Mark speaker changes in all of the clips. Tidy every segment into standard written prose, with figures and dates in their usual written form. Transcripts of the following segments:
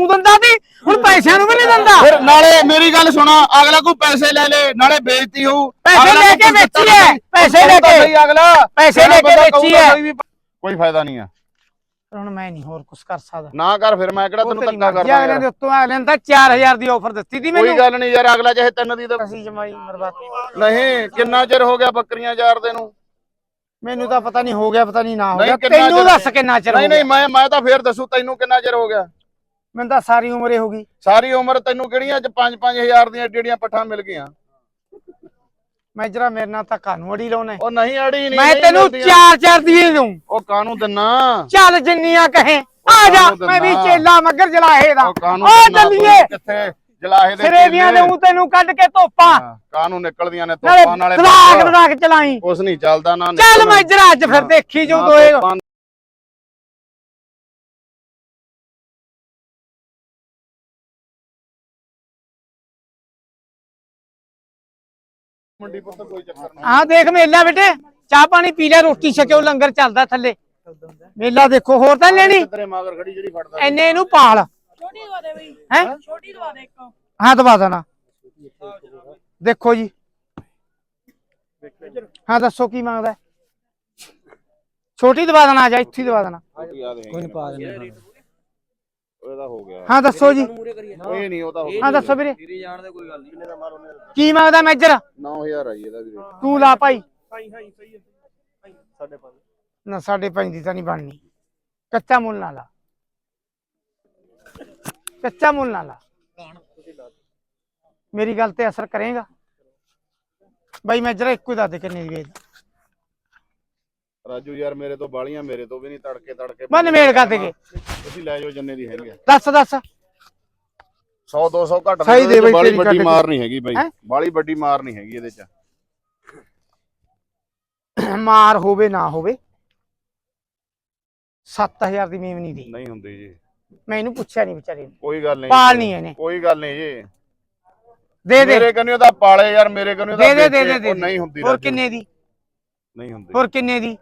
Speaker 1: ਦਿੰਦਾ ਸੀ ਹੁਣ ਪੈਸਿਆਂ ਨੂੰ ਵੀ ਨਹੀਂ ਦਿੰਦਾ।
Speaker 2: ਫਿਰ ਨਾਲੇ ਮੇਰੀ ਗੱਲ ਸੁਣਾ, ਅਗਲਾ ਕੋਈ ਪੈਸੇ ਲੈ ਲੇ ਨਾਲੇ ਬੇਇੱਜ਼ਤੀ ਹੋਊ।
Speaker 1: ਪੈਸੇ ਲੈ ਕੇ ਵੇਚੀ ਹੈ, ਪੈਸੇ ਲੈ ਕੇ
Speaker 2: ਅਗਲਾ
Speaker 1: ਪੈਸੇ ਲੈ ਕੇ ਵੇਚੀ ਹੈ,
Speaker 2: ਕੋਈ ਫਾਇਦਾ ਨਹੀਂ ਆ।
Speaker 1: ਹੁਣ ਮੈਂ ਨਹੀਂ ਹੋਰ ਕੁਝ ਕਰ ਸਕਦਾ।
Speaker 2: ਨਾ ਕਰ ਫਿਰ, ਮੈਂ ਕਿਹੜਾ ਤੈਨੂੰ ਧੱਕਾ ਕਰਦਾ।
Speaker 1: ਅਗਲੇ ਦੇ ਉੱਤੋਂ ਅਗਲੇ ਨੇ ਤਾਂ 4000 ਦੀ ਆਫਰ ਦਿੱਤੀ ਸੀ ਮੈਨੂੰ।
Speaker 2: ਕੋਈ ਗੱਲ ਨਹੀਂ ਯਾਰ, ਅਗਲਾ ਚਾਹੇ 3 ਦੀ ਤਾਂ
Speaker 1: ਅਸੀਂ ਜਮਾਈ ਮਰਵਾ
Speaker 2: ਨਹੀਂ। ਕਿੰਨਾ ਚਿਰ ਹੋ ਗਿਆ ਬੱਕਰੀਆਂ ਚਾਰਦੇ ਨੂੰ?
Speaker 1: ਮੈਨੂੰ ਤਾਂ ਪਤਾ ਨਹੀਂ ਹੋ ਗਿਆ, ਪਤਾ ਨਹੀਂ ਨਾ ਹੋ ਗਿਆ।
Speaker 2: ਕਿੰਨਾ
Speaker 1: ਤੈਨੂੰ
Speaker 2: ਚਿਰ-
Speaker 1: ਦੱਸ ਕਿੰਨਾ ਚਿਰ ਹੋ
Speaker 2: ਨਹੀਂ
Speaker 1: ਗਿਆ?
Speaker 2: ਨਹੀਂ, ਮੈਂ ਤਾਂ ਫੇਰ ਦੱਸੂ ਤੈਨੂੰ ਕਿੰਨਾ ਚਿਰ ਹੋ ਗਿਆ।
Speaker 1: ਮੈਨੂੰ ਤਾਂ ਸਾਰੀ ਉਮਰ ਹੀ ਹੋ ਗਈ।
Speaker 2: ਸਾਰੀ ਉਮਰ ਤੈਨੂੰ ਕਿਹੜੀਆਂ 'ਚ 5-5000 ਦੀਆਂ ਏਡੀਆਂ ਪੱਠਾਂ ਮਿਲ ਗਈਆਂ?
Speaker 1: ਮੈਂ ਜਰਾ ਮੇਰੇ ਨਾਲ ਤਾਂ ਕਾਨੂੰ ਅੜੀ ਲਾਉਣਾ।
Speaker 2: ਉਹ ਨਹੀਂ ਅੜੀ ਨਹੀਂ,
Speaker 1: ਮੈਂ ਤੈਨੂੰ 4-4 ਦੀ ਦਊਂ।
Speaker 2: ਉਹ ਕਾਨੂੰ ਦਿੰਨਾ?
Speaker 1: ਚੱਲ ਜਿੰਨੀਆਂ ਕਹੇ ਆ ਜਾ, ਮੈਂ ਵੀ ਚੇਲਾ ਮੱਗਰ ਜਲਾਹੇ ਦਾ।
Speaker 2: ਕਾਨੂੰ
Speaker 1: ਓ ਚੱਲੀਏ
Speaker 2: ਕਿੱਥੇ ਜਲਾਹੇ ਦੇ
Speaker 1: ਸਿਰੇ ਦੀਆਂ ਦਊਂ ਤੈਨੂੰ ਕੱਢ ਕੇ ਧੋਪਾਂ।
Speaker 2: ਕਾਨੂੰ ਨਿਕਲਦੀਆਂ ਨੇ ਧੋਪਾਂ ਨਾਲੇ
Speaker 1: ਤਲਾਕ ਚਲਾਈ।
Speaker 2: ਕੁਛ ਨਹੀਂ ਚੱਲਦਾ ਨਾ।
Speaker 1: ਚੱਲ ਮੈਂ ਜਰਾ ਅੱਜ ਫਿਰ ਦੇਖੀ ਜੋ ਦੋਏ
Speaker 2: ਮੰਡੀ ਪੁੱਤ ਕੋਈ ਚੱਕਰ ਨਹੀਂ।
Speaker 1: ਹਾਂ ਦੇਖ ਮੇਲਾ ਬੇਟੇ, ਚਾਹ ਪਾਣੀ ਪੀ ਲੈ, ਰੋਟੀ ਛਕਿਓ, ਲੰਗਰ ਚੱਲਦਾ ਥੱਲੇ। ਮੇਲਾ ਦੇਖੋ, ਹੋਰ ਤਾਂ ਲੈਣੀ
Speaker 2: ਤੇਰੇ ਮਗਰ ਖੜੀ ਜਿਹੜੀ ਫੜਦਾ
Speaker 1: ਐਨੇ ਇਹਨੂੰ ਪਾਲ।
Speaker 3: ਛੋਟੀ ਦਵਾ ਦੇ ਬਈ,
Speaker 1: ਹੈ
Speaker 3: ਛੋਟੀ ਦਵਾ ਦੇ ਇੱਕ।
Speaker 1: ਹਾਂ ਦਵਾ ਦੇਣਾ। ਦੇਖੋ ਜੀ, ਹਾਂ ਦੱਸੋ ਕੀ ਮੰਗਦਾ? ਛੋਟੀ ਦਵਾ ਦੇਣਾ, ਆ ਜਾ ਇੱਥੇ ਦਵਾ ਦੇਣਾ।
Speaker 2: ਕੋਈ ਨਹੀਂ ਪਾ ਦੇਣਾ। ਉਹਦਾ ਹੋ ਗਿਆ।
Speaker 1: ਹਾਂ ਦੱਸੋ ਜੀ।
Speaker 2: ਕੋਈ ਨਹੀਂ, ਉਹ ਤਾਂ ਹੋ ਗਿਆ।
Speaker 1: ਹਾਂ ਦੱਸੋ ਵੀਰੇ
Speaker 4: ਤੇਰੀ ਜਾਣ ਦੇ ਕੋਈ ਗੱਲ ਨਹੀਂ।
Speaker 1: ਕੀ ਮੰਗਦਾ ਮੇਜਰ?
Speaker 2: 9000 ਆਈ ਇਹਦਾ ਵੀਰੇ।
Speaker 1: ਤੂੰ ਲਾ ਭਾਈ।
Speaker 4: ਸਹੀ ਹੈ। 5.5
Speaker 1: ਨਾ 5.5 ਦੀ ਤਾਂ ਨਹੀਂ ਬਣਨੀ। ਕੱਚਾ ਮੁੱਲ ਨਾ ਲਾ, ਕੱਚਾ ਮੁੱਲ ਨਾ ਲਾ। ਮੇਰੀ ਗੱਲ ਤੇ ਅਸਰ ਕਰੇਗਾ ਬਾਈ। ਮੈਂ ਜਰਾ ਇੱਕੋ ਹੀ ਦੱਸ ਦੇ ਕਿੰਨੇ ਦੀ ਵੇਚ।
Speaker 2: ਰਾਜੂ ਯਾਰ ਮੇਰੇ ਤੋਂ ਬਾਲੀਆਂ, ਮੇਰੇ ਤੋਂ ਵੀ ਨਹੀਂ ਤੜਕੇ
Speaker 1: ਮੈਂ ਨਿਮੇੜ ਕਰ ਦੇਗੇ।
Speaker 2: ਤੁਸੀਂ ਲੈ ਜਾਓ ਜਿੰਨੇ ਦੀ ਹੈਗੀ।
Speaker 1: ਦੱਸ
Speaker 2: 100-200 ਘੱਟ
Speaker 1: ਸਹੀ ਦੇ ਬਈ,
Speaker 2: ਬਾਲੀ
Speaker 1: ਤੇਰੀ
Speaker 2: ਵੱਡੀ
Speaker 1: ਕੱਢ
Speaker 2: ਮਾਰ ਨਹੀਂ ਹੈਗੀ ਬਾਈ।
Speaker 1: ਹੈਂ?
Speaker 2: ਬਾਲੀ ਵੱਡੀ ਮਾਰ ਨਹੀਂ ਹੈਗੀ ਇਹਦੇ ਚ।
Speaker 1: ਮਾਰ ਹੋਵੇ ਨਾ ਹੋਵੇ 7000 ਦੀ ਮੇਵ ਨਹੀਂ ਦੀ।
Speaker 2: ਨਹੀਂ ਹੁੰਦੀ ਜੀ।
Speaker 1: ਮੈਂ ਇਹਨੂੰ ਪੁੱਛਿਆ ਨਹੀਂ ਵਿਚਾਰੇ ਨੂੰ।
Speaker 2: ਕੋਈ ਗੱਲ ਨਹੀਂ,
Speaker 1: ਪਾਲ ਨਹੀਂ ਇਹਨੇ।
Speaker 2: ਕੋਈ ਗੱਲ ਨਹੀਂ ਜੀ।
Speaker 1: ਦੇ ਦੇ
Speaker 2: ਮੇਰੇ ਕੰਨਿਓ ਦਾ ਪਾਲੇ ਯਾਰ, ਮੇਰੇ ਕੰਨਿਓ ਦਾ
Speaker 1: ਦੇ ਦੇ ਦੇ।
Speaker 2: ਨਹੀਂ ਹੁੰਦੀ।
Speaker 1: ਹੋਰ ਕਿੰਨੇ ਦੀ?
Speaker 2: ਨਹੀਂ ਹੁੰਦੀ।
Speaker 1: ਹੋਰ ਕਿੰਨੇ ਦੀ?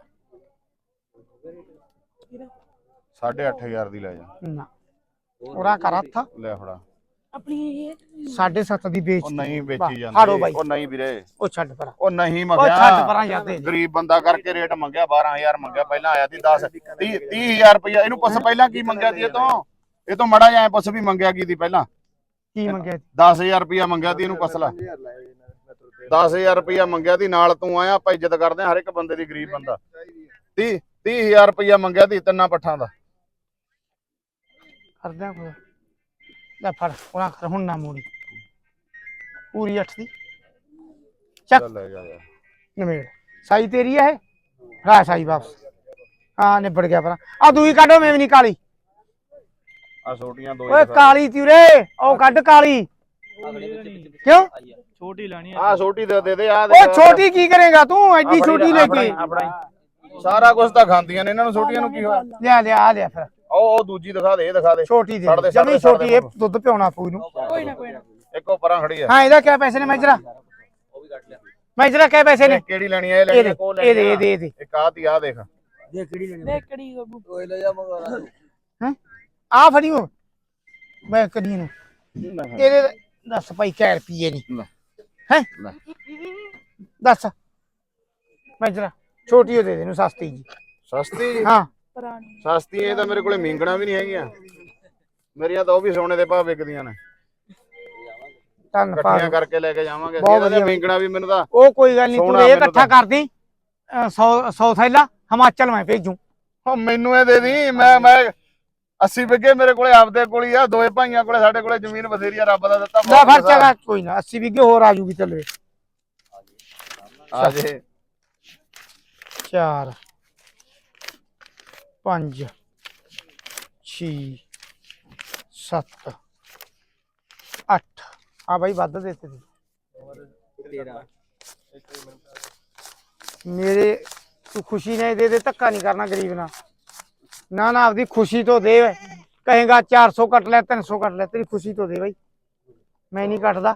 Speaker 2: 8.5 ਦੀ ਲੈ ਜਾ।
Speaker 1: ਨਾ ਉਹਦਾ ਕਰ ਹੱਥ।
Speaker 2: ਲੈ ਫੜਾ।
Speaker 3: ਆਪਣੀ ਇਹ
Speaker 1: 7.5 ਦੀ ਵੇਚ।
Speaker 2: ਉਹ ਨਹੀਂ ਵੇਚੀ
Speaker 1: ਹਾੜੋ ਬਾਈ।
Speaker 2: ਜਾਂਦੀ। ਉਹ ਨਹੀਂ ਵੀਰੇ,
Speaker 1: ਉਹ ਛੱਡ ਪਰਾਂ।
Speaker 2: ਉਹ ਨਹੀਂ
Speaker 1: ਉਹ ਛੱਡ ਪਰਾਂ
Speaker 2: ਮੰਗਿਆ।
Speaker 1: ਜਾਂਦੇ।
Speaker 2: ਗਰੀਬ ਬੰਦਾ ਕਰਕੇ ਰੇਟ ਮੰਗਿਆ। 12000 ਮੰਗਿਆ। ਪਹਿਲਾਂ ਆਇਆ ਸੀ 30,000 ਰੁਪਇਆ। ਇਹਨੂੰ ਪੁੱਛ ਪਹਿਲਾਂ ਕੀ ਮੰਗਿਆ ਸੀ ਇਹ ਤੋਂ ਮੜਾ ਜਾਏ ਪੁੱਛ ਵੀ ਮੰਗਿਆ ਕੀ ਸੀ ਪਹਿਲਾਂ।
Speaker 1: ਕੀ ਮੰਗਿਆ?
Speaker 2: 10000 ਰੁਪਇਆ ਮੰਗਿਆ ਸੀ। ਇਹਨੂੰ ਪੁੱਛ ਲੈ। 10000 ਰੁਪਇਆ ਮੰਗਿਆ ਸੀ। ਨਾਲ ਤੂੰ ਆਇਆ, ਆਪਾਂ ਇੱਜ਼ਤ ਕਰਦੇ ਹਾਂ ਹਰ ਇੱਕ ਬੰਦੇ ਦੀ। ਗਰੀਬ ਬੰਦਾ 30,000 ਰੁਪਇਆ ਮੰਗਿਆ ਸੀ ਤਿੰਨਾਂ ਪੱਠਾਂ ਦਾ।
Speaker 1: ਕਰਦਿਆਂ ਕੋਈ ਲੈ ਫੜ ਉਹਨਾਂ ਕਰ। ਹੁਣ ਨਾ ਮੋੜੀ ਪੂਰੀ 8 ਦੀ ਚੱਕ
Speaker 2: ਲੈ ਜਾ ਯਾਰ।
Speaker 1: ਨਵੇੜ। ਸਾਈ ਤੇਰੀ ਹੈ ਰਾ ਸਾਈ ਵਾਪਸ। ਹਾਂ ਨਿਬੜ ਗਿਆ ਪਰਾਂ। ਆ ਦੂਈ ਕੱਢੋ, ਮੈਂ ਵੀ ਨਹੀਂ ਕਾਲੀ।
Speaker 2: ਆ ਛੋਟੀਆਂ ਦੋ
Speaker 1: ਓਏ ਕਾਲੀ ਤੀ ਉਰੇ, ਉਹ ਕੱਢ ਕਾਲੀ। ਕਿਉਂ
Speaker 4: ਛੋਟੀ ਲੈਣੀ
Speaker 2: ਆ ਛੋਟੀ ਦੇ ਦੇ। ਆ
Speaker 1: ਉਹ ਛੋਟੀ ਕੀ ਕਰੇਗਾ ਤੂੰ ਐਡੀ ਛੋਟੀ ਲੈ ਕੇ?
Speaker 2: ਸਾਰਾ ਕੁਝ ਤਾਂ ਖਾਂਦੀਆਂ ਨੇ, ਇਹਨਾਂ ਨੂੰ ਛੋਟੀਆਂ ਨੂੰ ਕੀ ਹੋਇਆ?
Speaker 1: ਲਿਆ ਲਿਆ ਆ ਲਿਆ ਫਿਰ
Speaker 2: ਉਹ ਦੂਜੀ ਦਿਖਾ ਦੇ, ਇਹ ਦਿਖਾ ਦੇ।
Speaker 1: ਛੋਟੀ
Speaker 2: ਛੱਡ
Speaker 1: ਦੇ
Speaker 2: ਦੇ,
Speaker 1: ਜਮੀ
Speaker 2: ਛੱਡ ਦੇ,
Speaker 1: ਛੋਟੀ। ਇਹ ਦੁੱਧ ਪਿਉਣਾ ਪੂ ਨੂੰ।
Speaker 3: ਕੋਈ ਨਾ ਕੋਈ ਨਾ।
Speaker 2: ਇੱਕੋ ਪਰਾਂ ਖੜੀ ਆ।
Speaker 1: ਹਾਂ ਇਹਦਾ ਕਿਆ ਪੈਸੇ ਨੇ ਮੈਜਰਾ? ਮੈਜਰਾ ਕਿਆ ਪੈਸੇ ਨੇ?
Speaker 2: ਕਿਹੜੀ ਲੈਣੀ ਹੈ? ਇਹ ਲੈਣੀ ਹੈ ਕੋ ਲੈਣੀ?
Speaker 1: ਇਹਦੇ
Speaker 2: ਇੱਕ ਆ ਤੀ ਆ ਦੇਖ।
Speaker 3: ਦੇਖ ਕਿਹੜੀ ਗੱਗੂ।
Speaker 4: ਓਏ ਲੈ ਜਾ ਮਗਰ।
Speaker 1: ਹੈ ਆ ਫੜੀ ਹੋ ਮੈਂ ਕਦੀ ਨੂੰ। ਇਹਦੇ ਦੱਸ ਭਾਈ ਕਿਆ ਰੁਪਈਏ ਨੇ? ਹੈ ਦੱਸ ਮੈਜਰਾ। ਛੋਟੀ ਉਹ ਦੇ ਦੇ ਨੂੰ, ਸਸਤੀ ਜੀ।
Speaker 2: ਸਸਤੀ?
Speaker 1: ਹਾਂ
Speaker 3: ਪੁਰਾਣੀ
Speaker 2: ਸਸਤੀ। ਇਹ ਤਾਂ ਮੇਰੇ ਕੋਲੇ ਮੀਂਗਣਾ ਵੀ ਨਹੀਂ ਹੈਗੀਆਂ ਮੇਰੀਆਂ, ਤਾਂ ਉਹ ਵੀ ਸੋਨੇ ਦੇ ਭਾਅ ਵਿਕਦੀਆਂ ਨੇ।
Speaker 1: ਧੰਨ
Speaker 2: ਇਕੱਠੀਆਂ ਕਰਕੇ ਲੈ ਕੇ ਜਾਵਾਂਗੇ।
Speaker 1: ਬਹੁਤ
Speaker 2: ਇਹਦਾ
Speaker 1: ਵਧੀਆ।
Speaker 2: ਮੀਂਗਣਾ ਵੀ ਮੈਨੂੰ ਤਾਂ
Speaker 1: ਉਹ ਕੋਈ ਗੱਲ ਨਹੀਂ, ਤੂੰ
Speaker 2: ਸੋਹਣਾ
Speaker 1: ਇਹ
Speaker 2: ਮੈਨੂੰ
Speaker 1: ਇਕੱਠਾ
Speaker 2: ਤਾਂ।
Speaker 1: ਕਰਦੀ 100 ਥੈਲਾ ਹਿਮਾਚਲ ਮੈਂ ਭੇਜੂ।
Speaker 2: ਉਹ ਮੈਨੂੰ ਇਹ ਦੇ ਦੀ। ਮੈਂ 80 ਵਿਗੇ ਮੇਰੇ ਕੋਲੇ ਆਪਦੇ ਕੋਲ ਹੀ ਆ। ਦੋਏ ਭਾਈਆਂ ਕੋਲੇ, ਸਾਡੇ ਕੋਲੇ ਜ਼ਮੀਨ ਬਥੇਰੀ ਆ, ਰੱਬ ਦਾ ਦਿੱਤਾ।
Speaker 1: ਲੈ ਫੜ ਚਗਾ ਕੋਈ ਨਾ 80 ਵਿਗੇ ਹੋਰ ਆ ਜੂਗੀ। ਚੱਲੇ
Speaker 2: ਆ ਜੇ
Speaker 1: 4 5 6 7 8 ਆ ਬਾਈ ਵੱਧ ਦਿੱਤੇ ਮੇਰੇ। ਤੂੰ ਖੁਸ਼ੀ ਨੇ ਦੇ ਧੱਕਾ ਨਹੀਂ ਕਰਨਾ ਗਰੀਬ ਨਾਲ। ਨਾ ਨਾ ਆਪਦੀ ਖੁਸ਼ੀ ਤੋਂ ਦੇ। ਕਹੇਗਾ 400 ਕੱਟ ਲੈ 300 ਕੱਟ ਲੈ, ਤੇਰੀ ਖੁਸ਼ੀ ਤੋਂ ਦੇ ਬਾਈ। ਮੈਂ ਨਹੀਂ ਕੱਟਦਾ।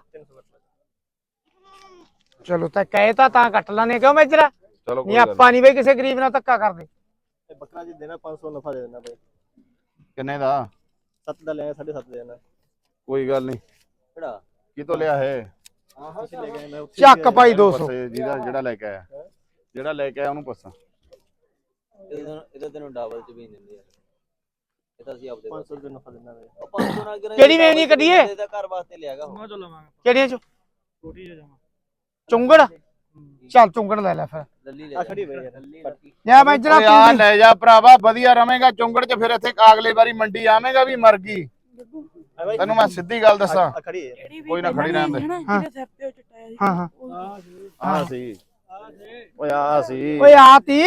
Speaker 1: ਚਲੋ ਤਾਂ ਕਹੇ ਤਾਂ ਕੱਟ ਲਾਨੇ ਕਿਉਂ ਮੇਜਰਾ?
Speaker 2: ਚਲੋ
Speaker 1: ਨਹੀਂ ਆਪਾਂ ਨਹੀਂ ਬਈ ਕਿਸੇ ਗਰੀਬ ਨਾਲ ਧੱਕਾ ਕਰਦੇ।
Speaker 4: ਬੱਕਰਾ ਜੀ ਦੇਣਾ 500 ਨਫਾ ਦੇ ਦੇਣਾ ਬਈ।
Speaker 2: ਕਿੰਨੇ ਦਾ?
Speaker 4: 7 ਦਾ ਲਿਆ 7.5 ਦੇਣਾ
Speaker 2: ਕੋਈ ਗੱਲ ਨਹੀਂ।
Speaker 4: ਕਿਹੜਾ
Speaker 2: ਕਿਤੋਂ ਲਿਆ ਹੈ?
Speaker 4: ਤੁਸੀਂ ਲੈ ਗਏ ਮੈਂ
Speaker 1: ਚੱਕ ਭਾਈ 200
Speaker 2: ਪੁੱਛ ਜਿਹੜਾ ਲੈ ਕੇ ਆਇਆ, ਜਿਹੜਾ ਲੈ ਕੇ ਆਇਆ ਉਹਨੂੰ ਪੁੱਛਾਂ।
Speaker 4: ਇਹਦਾ ਤੈਨੂੰ ਡਬਲ ਚ ਵੀ ਦਿੰਦੇ ਆ। ਇਹ ਤਾਂ ਅਸੀਂ ਆਪਦੇ 500 ਰੁਪਏ ਨਫਾ ਦਿੰਦਾ ਵੇ।
Speaker 1: ਕਿਹੜੀ ਵੇਚਣੀ ਕੱਢੀਏ?
Speaker 4: ਇਹਦਾ ਘਰ ਵਾਸਤੇ ਲਿਆਗਾ ਉਹ ਚੋ ਲਵਾਂਗੇ।
Speaker 1: ਕਿਹੜੀਆਂ ਚ?
Speaker 4: ਛੋਟੀ ਜਿਹਾ ਜਮਾ
Speaker 1: ਚੁੰਗੜ ਚੱਲ ਚੁੰਗੜ ਲੈ ਲੈ ਫਿਰ।
Speaker 4: ਲੱਲੀ ਲੈ ਖੜੀ ਵੇ ਯਾਰ ਲੱਲੀ
Speaker 1: ਜਾ ਮੈਂ ਜਰਾ
Speaker 2: ਆ ਲੈ ਜਾ ਭਰਾਵਾ, ਵਧੀਆ ਰਵੇਂਗਾ ਚੁੰਗੜ ਚ। ਫਿਰ ਇੱਥੇ ਅਗਲੇ ਵਾਰੀ ਮੰਡੀ ਆਵੇਂਗਾ ਵੀ ਮਰ ਗਈ। ਤੈਨੂੰ ਮੈਂ ਸਿੱਧੀ ਗੱਲ ਦੱਸਾਂ,
Speaker 4: ਖੜੀ ਹੈ
Speaker 2: ਕੋਈ ਨਾ ਖੜੀ ਰਹਿਣ ਦੇ।
Speaker 1: ਹਾਂ ਹਾਂ
Speaker 2: ਆ ਸੀ ਓਏ, ਆ ਸੀ
Speaker 1: ਓਏ ਆਤੀ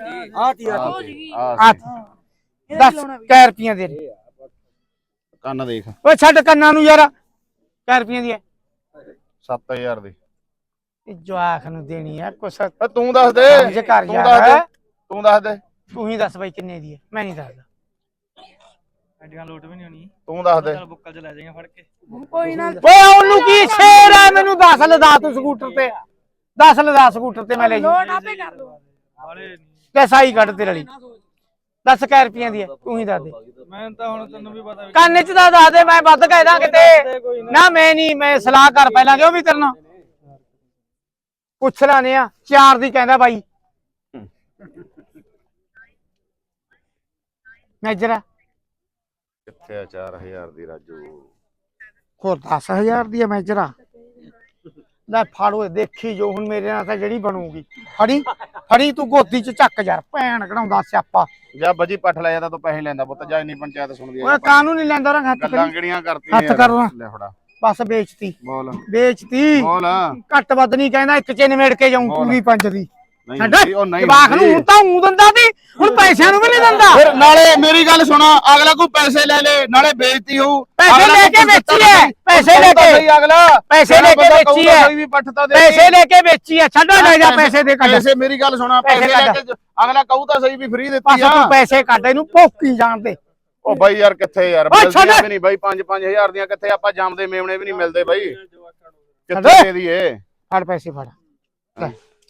Speaker 2: ਆ ਸੀ।
Speaker 1: 10 ਰੁਪਈਆਂ ਦੇ ਦੇ।
Speaker 2: ਕੰਨ ਦੇਖ,
Speaker 1: ਓਏ ਛੱਡ ਕੰਨਾਂ ਨੂੰ ਯਾਰ। 10 ਰੁਪਈਆਂ ਦੀ ਹੈ
Speaker 2: 7000 ਦੀ।
Speaker 1: ਇਹ ਜਵਾਖ ਨੂੰ ਦੇਣੀ ਹੈ ਕੁਛ
Speaker 2: ਤੂੰ ਦੱਸ ਦੇ,
Speaker 1: ਸਮਝ ਕਰ
Speaker 2: ਤੂੰ
Speaker 1: ਯਾਰ।
Speaker 2: ਦੱਸ ਦੇ, ਤੂੰ ਦੱਸ ਦੇ,
Speaker 1: ਤੂੰ ਹੀ ਦੱਸ ਬਾਈ ਕਿੰਨੇ ਦੀ ਹੈ, ਮੈਂ ਨਹੀਂ ਦੱਸਦਾ।
Speaker 4: ਐਡੀਆਂ ਲੋਟ ਵੀ ਨਹੀਂ ਹੋਣੀ।
Speaker 2: ਤੂੰ ਦੱਸ ਦੇ।
Speaker 4: ਚੱਲ ਬੁੱਕਲ ਚ ਲੈ ਜਾਏਗਾ ਫੜ ਕੇ
Speaker 3: ਕੋਈ ਨਾ
Speaker 1: ਓਏ ਉਹਨੂੰ ਕੀ ਸ਼ੇਰ ਹੈ, ਮੈਨੂੰ 10 ਲਦਾ ਤੂੰ ਸਕੂਟਰ ਤੇ। 10 ਲਦਾ ਸਕੂਟਰ ਤੇ ਮੈਂ ਲੈ ਜੂ।
Speaker 3: ਲੋਟ ਆਪੇ ਕਰ ਲਓ।
Speaker 4: ਵਾਲੇ ਨਹੀਂ
Speaker 1: ਲੈ ਸਾਈ ਕੱਢ ਤੇਰੇ ਲਈ। 10 ਕੈ ਰੁਪਈਆਂ ਦੀ ਹੈ, ਤੂੰ ਹੀ ਦੱਸ ਦੇ।
Speaker 4: ਮੈਂ ਤਾਂ ਹੁਣ ਤੈਨੂੰ ਵੀ ਪਤਾ
Speaker 1: ਕੰਨ ਚ ਤਾਂ ਦੱਸ ਦੇ, ਮੈਂ ਵੱਧ ਕਹਿ ਦਾਂ ਕਿਤੇ। ਨਾ ਮੈਂ ਨਹੀਂ, ਮੈਂ ਸਲਾਹ ਕਰ ਪਹਿਲਾਂ ਕਿਉਂ ਵੀ ਕਰਨਾ। ਪੁੱਛ ਲਾਨੇ ਆ 4 ਦੀ ਕਹਿੰਦਾ ਬਾਈ। ਮੇਜਰਾ
Speaker 2: ਕਿੱਥੇ ਆ 4000 ਦੀ ਰਾਜੂ?
Speaker 1: ਹੋਰ 10000 ਦੀ ਹੈ ਮੇਜਰਾ। ਲੈ ਫੜੋ, ਦੇਖੀ ਜੋ ਹੁਣ ਮੇਰੇ ਨਾਲ ਤਾਂ ਜਿਹੜੀ ਬਣੂਗੀ। ਫੜੀ ਫੜੀ ਤੂੰ ਗੋਦੀ ਚ ਚੱਕ ਯਾਰ, ਭੈਣ ਕਢਾਉਂਦਾ ਸਿਆਪਾ।
Speaker 2: ਜਾ ਬਜੀ ਪੱਠ ਲੈ ਜਾਂਦਾ, ਤੂੰ ਪੈਸੇ ਲੈਂਦਾ ਪੁੱਤ। ਜਾ ਇੰਨੀ ਪੰਚਾਇਤ ਸੁਣਦੀ
Speaker 1: ਓਏ ਕਾਹਨੂੰ ਨਹੀਂ ਲੈਂਦਾ ਰੰਗ ਹੱਥ
Speaker 2: ਗੱਲਾਂ
Speaker 1: ਕਰੀ।
Speaker 2: ਕਿਹੜੀਆਂ ਕਰਤੀਆਂ
Speaker 1: ਹੱਥ ਕਰ ਲਾ।
Speaker 2: ਲੈ ਫੜਾ
Speaker 1: ਬਸ ਵੇਚਤੀ
Speaker 2: ਬੋਲ
Speaker 1: ਵੇਚਤੀ।
Speaker 2: ਬੋਲ।
Speaker 1: ਘੱਟ ਵੱਧ ਨਹੀਂ ਕਹਿੰਦਾ, ਇੱਕ ਚ ਨਿਮੇੜ ਕੇ ਜਾਊਂ ਪੂਰੀ 5 ਦੀ।
Speaker 2: ਨਹੀਂ
Speaker 1: ਛੱਡ
Speaker 2: ਹੁੰਦੀ, ਉਹ ਨਹੀਂ
Speaker 1: ਜਵਾਕ ਨੂੰ ਹੁਣ ਤਾਂ ਊਂ ਦਿੰਦਾ ਸੀ, ਹੁਣ ਪੈਸਿਆਂ ਨੂੰ ਵੀ ਨਹੀਂ ਦਿੰਦਾ।
Speaker 2: ਫਿਰ ਨਾਲੇ ਮੇਰੀ ਗੱਲ ਸੁਣਾ, ਅਗਲਾ ਕੋਈ ਪੈਸੇ ਲੈ ਲੇ, ਨਾਲੇ ਬੇਇੱਜ਼ਤੀ ਹੋਊ।
Speaker 1: ਪੈਸੇ ਲੈ ਕੇ ਵੇਚੀ ਹੈ, ਪੈਸੇ ਲੈ ਕੇ
Speaker 2: ਸਹੀ ਅਗਲਾ
Speaker 1: ਪੈਸੇ ਲੈ ਕੇ ਵੇਚੀ ਹੈ,
Speaker 2: ਕੋਈ ਵੀ ਪੱਠ ਤਾਂ ਦੇ।
Speaker 1: ਪੈਸੇ ਲੈ ਕੇ ਵੇਚੀ ਹੈ। ਛੱਡੋ ਲੈ ਜਾ ਪੈਸੇ ਦੇ ਕੱਢ।
Speaker 2: ਪੈਸੇ ਮੇਰੀ ਗੱਲ ਸੁਣਾ, ਪੈਸੇ ਲੈ ਕੇ ਅਗਲਾ ਕਹੂ ਤਾਂ ਸਹੀ ਵੀ ਫ੍ਰੀ ਦਿੱਤੀ
Speaker 1: ਬਸ
Speaker 2: ਆ।
Speaker 1: ਤੂੰ ਪੈਸੇ ਕੱਢ, ਇਹਨੂੰ ਭੋਕੀ ਜਾਣ ਦੇ।
Speaker 2: ਉਹ ਬਾਈ ਯਾਰ ਕਿੱਥੇ ਯਾਰ
Speaker 1: ਓਏ ਛੱਡ।
Speaker 2: ਮਿਲਦੀਆਂ ਵੀ ਨਹੀਂ ਬਾਈ, 5-5000 ਦੀਆਂ ਕਿੱਥੇ ਆਪਾਂ ਜੰਮਦੇ ਮੇਮਣੇ ਵੀ ਨਹੀਂ ਮਿਲਦੇ ਬਾਈ। ਕਿੱਥੇ
Speaker 1: ਛੱਡ।
Speaker 2: ਦੇ ਦਈਏ?
Speaker 1: ਫੜ ਪੈਸੇ ਫੜ। ਲੈ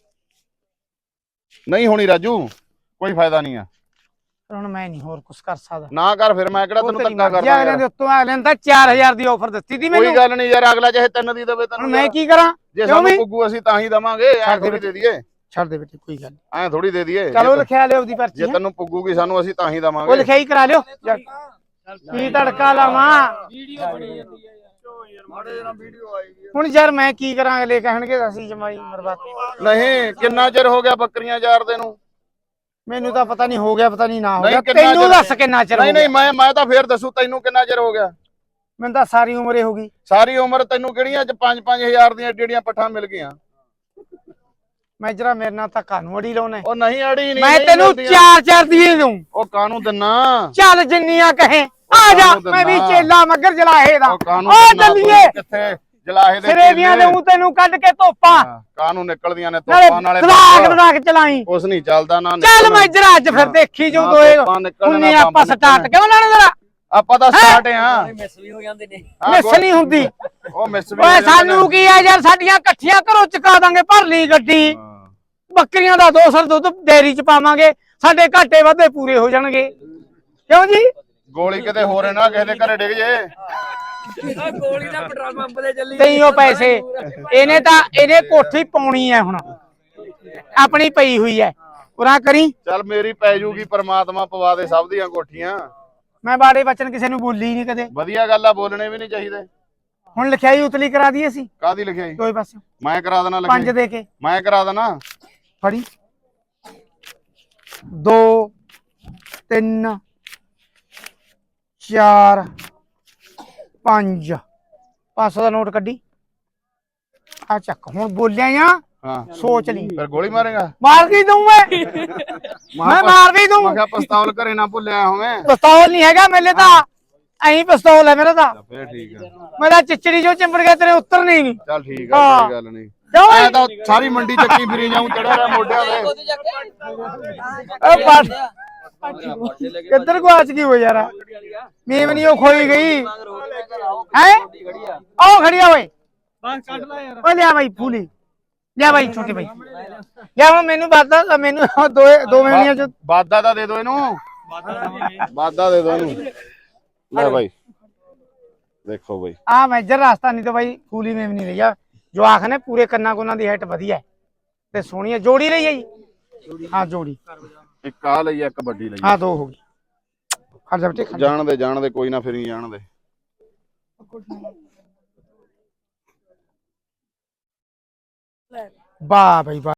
Speaker 2: ਨਹੀਂ ਹੋਣੀ ਰਾਜੂ, ਕੋਈ ਫਾਇਦਾ ਨਹੀਂ ਆ।
Speaker 1: ਹੁਣ ਮੈਂ ਨਹੀਂ ਹੋਰ ਕੁਝ ਕਰ ਸਕਦਾ।
Speaker 2: ਨਾ ਕਰ, ਫਿਰ ਮੈਂ ਕਿਹੜਾ ਤੈਨੂੰ ਧੱਕਾ ਕਰਦਾ
Speaker 1: ਅਗਲੇ ਦੇ
Speaker 2: ਯਾਰ।
Speaker 1: ਉੱਤੋਂ ਅਗਲੇ ਨੇ ਤਾਂ 4000 ਦੀ ਆਫਰ ਦਿੱਤੀ ਸੀ ਮੈਨੂੰ।
Speaker 2: ਕੋਈ ਗੱਲ ਨਹੀਂ ਯਾਰ, ਅਗਲਾ ਚਾਹੇ 3 ਦੀ ਦੇਵੇ
Speaker 1: ਹੁਣ
Speaker 2: ਤੈਨੂੰ।
Speaker 1: ਮੈਂ ਕੀ ਕਰਾਂ?
Speaker 2: ਜੇ
Speaker 1: ਕਿਉਂ
Speaker 2: ਸਾਨੂੰ
Speaker 1: ਵੀ?
Speaker 2: ਪੁੱਗੂ ਅਸੀਂ ਤਾਂ ਹੀ ਦਵਾਂਗੇ, ਐ
Speaker 1: ਛੱਡ ਦੇ
Speaker 2: ਥੋੜੀ ਦੇ ਦਈਏ।
Speaker 1: ਛੱਡ ਦੇ ਬੇਟੀ, ਕੋਈ ਗੱਲ ਨਹੀਂ।
Speaker 2: ਐ ਥੋੜੀ ਦੇ ਦਈਏ।
Speaker 1: ਚਲੋ ਲਿਖਿਆ ਲਿਓ ਉਹਦੀ ਪਰਚੀ।
Speaker 2: ਜੇ ਤੈਨੂੰ ਪੁੱਗੂਗੀ ਸਾਨੂੰ ਅਸੀਂ ਤਾਂ ਹੀ
Speaker 1: ਉਹ
Speaker 2: ਦਵਾਂਗੇ।
Speaker 1: ਲਿਖਾਈ ਕਰਾ ਲਿਓ। ਕੀ ਤੜਕਾ ਲਾਵਾਂ
Speaker 4: ਵੀਡੀਓ ਬਣੀ ਜਾਂਦੀ ਹੈ ਯਾਰ ਮਾੜੇ ਨਾਲ ਵੀਡੀਓ ਆਏਗੀ।
Speaker 1: ਹੁਣ ਯਾਰ ਮੈਂ ਕੀ ਕਰਾਂ? ਅਗਲੇ ਕਹਿਣਗੇ ਅਸੀਂ ਜਮਾਈ ਮਰਵਾ।
Speaker 2: ਨਹੀਂ, ਕਿੰਨਾ ਚਿਰ ਹੋ ਗਿਆ ਬੱਕਰੀਆਂ ਚਾਰਦੇ ਨੂੰ?
Speaker 1: ਮੈਨੂੰ ਤਾਂ ਪਤਾ ਨਹੀਂ, ਹੋ ਗਿਆ ਪਤਾ ਨਹੀਂ ਨਾ ਹੋ
Speaker 2: ਨਹੀਂ,
Speaker 1: ਗਿਆ।
Speaker 2: ਕਿੰਨਾ
Speaker 1: ਤੈਨੂੰ
Speaker 2: ਚਿਰ-
Speaker 1: ਦੱਸ ਕਿੰਨਾ ਚਿਰ ਹੋ
Speaker 2: ਨਹੀਂ
Speaker 1: ਗਿਆ?
Speaker 2: ਨਹੀਂ, ਮੈਂ ਤਾਂ ਫੇਰ ਦੱਸੂ ਤੈਨੂੰ ਕਿੰਨਾ ਚਿਰ ਹੋ ਗਿਆ।
Speaker 1: ਮੈਨੂੰ ਤਾਂ ਸਾਰੀ ਉਮਰੇ ਹੋ ਗਈ।
Speaker 2: ਸਾਰੀ ਉਮਰ ਤੈਨੂੰ ਕਿਹੜੀਆਂ 5-5000 ਦੀਆਂ ਜਿਹੜੀਆਂ ਪੱਠਾਂ ਮਿਲ ਗਈਆਂ?
Speaker 1: ਮੈਂ ਜਰਾ ਮੇਰੇ ਨਾਲ ਤਾਂ ਕਾਨੂੰ ਅੜੀ ਲਾਉਣਾ।
Speaker 2: ਉਹ ਨਹੀਂ ਅੜੀ ਨਹੀਂ।
Speaker 1: ਮੈਂ
Speaker 2: ਨਹੀਂ
Speaker 1: ਤੈਨੂੰ
Speaker 2: ਮਿਲਦੀਆਂ।
Speaker 1: 4-4 ਦੀ ਦਊਂ।
Speaker 2: ਉਹ ਕਾਨੂੰ ਦਿੰਨਾ?
Speaker 1: ਚੱਲ ਜਿੰਨੀਆਂ ਕਹੇ ਆ ਜਾ।
Speaker 2: ਕਾਹਨੂੰ
Speaker 1: ਮੈਂ ਵੀ
Speaker 2: ਦਿੰਦਾ?
Speaker 1: ਚੇਲਾ ਮੱਗਰ ਜਲਾਹੇ ਦਾ।
Speaker 2: ਉਹ ਕਾਨੂੰ
Speaker 1: ਉਹ
Speaker 2: ਦਿੰਨਾ?
Speaker 1: ਚੱਲੀਏ
Speaker 2: ਕਿੱਥੇ ਜਲਾਹੇ ਦੇ
Speaker 1: ਸਰੇਵੀਆਂ ਦੇ ਤੈਨੂੰ ਕੱਢ ਕੇ ਧੋਪਾਂ
Speaker 2: ਕਾਨੂੰ ਨਿਕਲਦੀਆਂ ਨੇ
Speaker 1: ਨਾਲੇ
Speaker 2: ਤੋਪਾਂ ਨਾਲੇ
Speaker 1: ਸਲਾਕ ਚਲਾਈ।
Speaker 2: ਕੁਛ ਨਹੀਂ ਚੱਲਦਾ ਨਾ।
Speaker 1: ਚੱਲ ਮੈਂ ਜਰਾ ਅੱਜ ਫਿਰ ਦੇਖੀ ਜੋ ਦੋਏ ਹੁੰਨੇ ਆਪਾਂ ਸਟਾਰਟ ਕਿਉਂ ਲੈਣਾ ਜਰਾ?
Speaker 2: ਆਪਾਂ ਤਾਂ ਸਟਾਰਟ ਆ।
Speaker 4: ਮਿਸ ਵੀ ਹੋ ਜਾਂਦੇ ਨੇ।
Speaker 1: ਮਿਸ ਨਹੀਂ ਹੁੰਦੀ।
Speaker 2: ਉਹ ਮਿਸ ਵੀ
Speaker 1: ਓਏ ਸਾਨੂੰ ਕੀ ਆ ਯਾਰ, ਸਾਡੀਆਂ ਇਕੱਠੀਆਂ ਘਰੋਂ ਚੁਕਾ ਦਾਂਗੇ, ਭਰ ਲਈ ਗੱਡੀ। ਬੱਕਰੀਆਂ ਦਾ 200 ਦੁੱਧ ਡੇਅਰੀ ਚ ਪਾਵਾਂਗੇ, ਸਾਡੇ ਘਾਟੇ ਵਾਧੇ ਪੂਰੇ ਹੋ ਜਾਣਗੇ। ਕਿਉਂ ਜੀ?
Speaker 2: ਗੋਲੀ ਕਿਤੇ ਹੋਰ ਨਾ ਕਿਸੇ ਦੇ ਘਰੇ ਡਿੱਗ ਜੇ।
Speaker 4: ਗੋਲੀ ਦਾ ਪੈਟਰੋਲ ਪੰਪ ਤੇ ਚੱਲੀ।
Speaker 1: ਤਈ ਉਹ ਪੈਸੇ ਇਹਨੇ ਕੋਠੀ ਪਾਉਣੀ ਹੈ ਹੁਣ, ਆਪਣੀ ਪਈ ਹੋਈ ਹੈ। ਪੂਰਾ ਕਰੀ।
Speaker 2: ਚੱਲ ਮੇਰੀ ਪੈ ਜੂਗੀ, ਪ੍ਰਮਾਤਮਾ ਪਵਾ ਦੇ ਸਭ ਦੀਆਂ ਕੋਠੀਆਂ।
Speaker 1: ਮੈਂ ਬਾੜੇ ਬਚਨ ਕਿਸੇ ਨੂੰ ਬੋਲੀ ਨਹੀਂ ਕਦੇ।
Speaker 2: ਵਧੀਆ ਗੱਲ ਆ, ਬੋਲਣੇ ਵੀ ਨਹੀਂ ਚਾਹੀਦੇ।
Speaker 1: ਹੁਣ ਲਿਖਾਈ ਉਤਲੀ ਕਰਾ ਦਈਏ ਅਸੀਂ
Speaker 2: ਕਾਦੀ ਲਿਖਿਆ
Speaker 1: ਦੋਏ ਪਾਸੇ
Speaker 2: ਮੈਂ ਕਰਾ ਦੇਣਾ
Speaker 1: 5 ਦੇ ਕੇ।
Speaker 2: ਮੈਂ ਕਰਾ ਦੇਣਾ।
Speaker 1: ਫੜੀ 2 3 4 5 500 ਦਾ ਨੋਟ ਕੱਢੀ ਆ ਚੱਕ। ਹੁਣ ਬੋਲਿਆ ਜਾਂ
Speaker 2: ਹਾਂ,
Speaker 1: ਸੋਚ ਲਈ।
Speaker 2: ਫਿਰ ਗੋਲੀ ਮਾਰੇਗਾ?
Speaker 1: ਮਾਰ ਕੇ ਦਊਂ ਮੈਂ ਮਾਰ ਵੀ ਦਊਂ।
Speaker 2: ਮੈਂ ਕਿਹਾ ਪਿਸਤੌਲ ਘਰੇ ਨਾ ਭੁੱਲਿਆ ਹੋਵੇਂ।
Speaker 1: ਪਿਸਤੌਲ ਨਹੀਂ ਹੈਗਾ ਮੇਲੇ ਤਾਂ, ਐਂ ਪਿਸਤੌਲ ਹੈ ਮੇਰਾ ਤਾਂ।
Speaker 2: ਫੇਰ ਠੀਕ ਆ।
Speaker 1: ਮੇਰਾ ਚਿਚੜੀ ਜੋ ਚਿੰਬੜ ਗਿਆ ਤੇਰੇ ਉੱਤਰ ਨਹੀਂ।
Speaker 2: ਚੱਲ ਠੀਕ ਆ, ਕੋਈ ਗੱਲ ਨਹੀਂ।
Speaker 1: ਕਿਉਂ
Speaker 2: ਮੈਂ ਤਾਂ ਸਾਰੀ ਮੰਡੀ ਚੱਕੀ ਫਿਰੀ ਜਾਊਂ, ਚੜਿਆ ਰਿਹਾ ਮੋਢਿਆਂ ਤੇ।
Speaker 1: ਕਿੱਧਰ ਗੁਆਚ ਗਈ ਹੋ ਯਾਰ? ਮੀਮ ਨਹੀਂ ਉਹ ਖੋਈ ਗਈ ਹੈ। ਆਓ ਖੜੀਆ ਓਏ।
Speaker 4: ਬਸ ਕੱਢ ਲੈ ਯਾਰ।
Speaker 1: ਓਏ ਲਿਆ ਬਾਈ ਫੂਲੀ, ਲਿਆ ਬਾਈ ਛੋਟੇ ਬਾਈ, ਲਿਆ ਹੁਣ ਮੈਨੂੰ ਬਾਦਾ ਮੈਨੂੰ ਦੋ ਮਹੀਨਿਆਂ ਚ
Speaker 2: ਵਾਦਾ ਤਾਂ ਦੇ ਦੋ ਇਹਨੂੰ,
Speaker 4: ਬਾਤਾਂ ਦੇਵਾਂਗੇ।
Speaker 2: ਵਾਦਾ ਦੇ ਦੋ ਇਹਨੂੰ। ਲੈ ਬਾਈ ਦੇਖੋ ਬਾਈ
Speaker 1: ਆ ਮੈਜਰ ਰਾਸਤਾ ਨਹੀਂ ਤਾਂ ਬਾਈ ਫੂਲੀ ਮੇਮ ਨਹੀਂ ਲਿਆ ਜਵਾਖ ਨੇ ਪੂਰੇ ਕੰਨਾਂ ਕੋਨਾਂ ਦੀ ਹਾਈਟ ਵਧੀਆ ਹੈ ਤੇ ਸੋਹਣੀ ਹੈ ਜੋੜੀ ਲਈ ਹੈ ਜੀ ਹਾਂ ਜੋੜੀ
Speaker 2: ਇੱਕ ਆ ਲਈ ਇੱਕ ਵੱਡੀ ਲਈ
Speaker 1: ਹਾਂ ਦੋ ਹੋ ਗਈ ਖੜ ਜਾ ਬੇਟੇ
Speaker 2: ਜਾਣਦੇ ਕੋਈ ਨਾ ਫਿਰ ਹੀ ਜਾਣਦੇ
Speaker 3: ਲੈ
Speaker 1: ਵਾਹ ਬਈ ਵਾਹ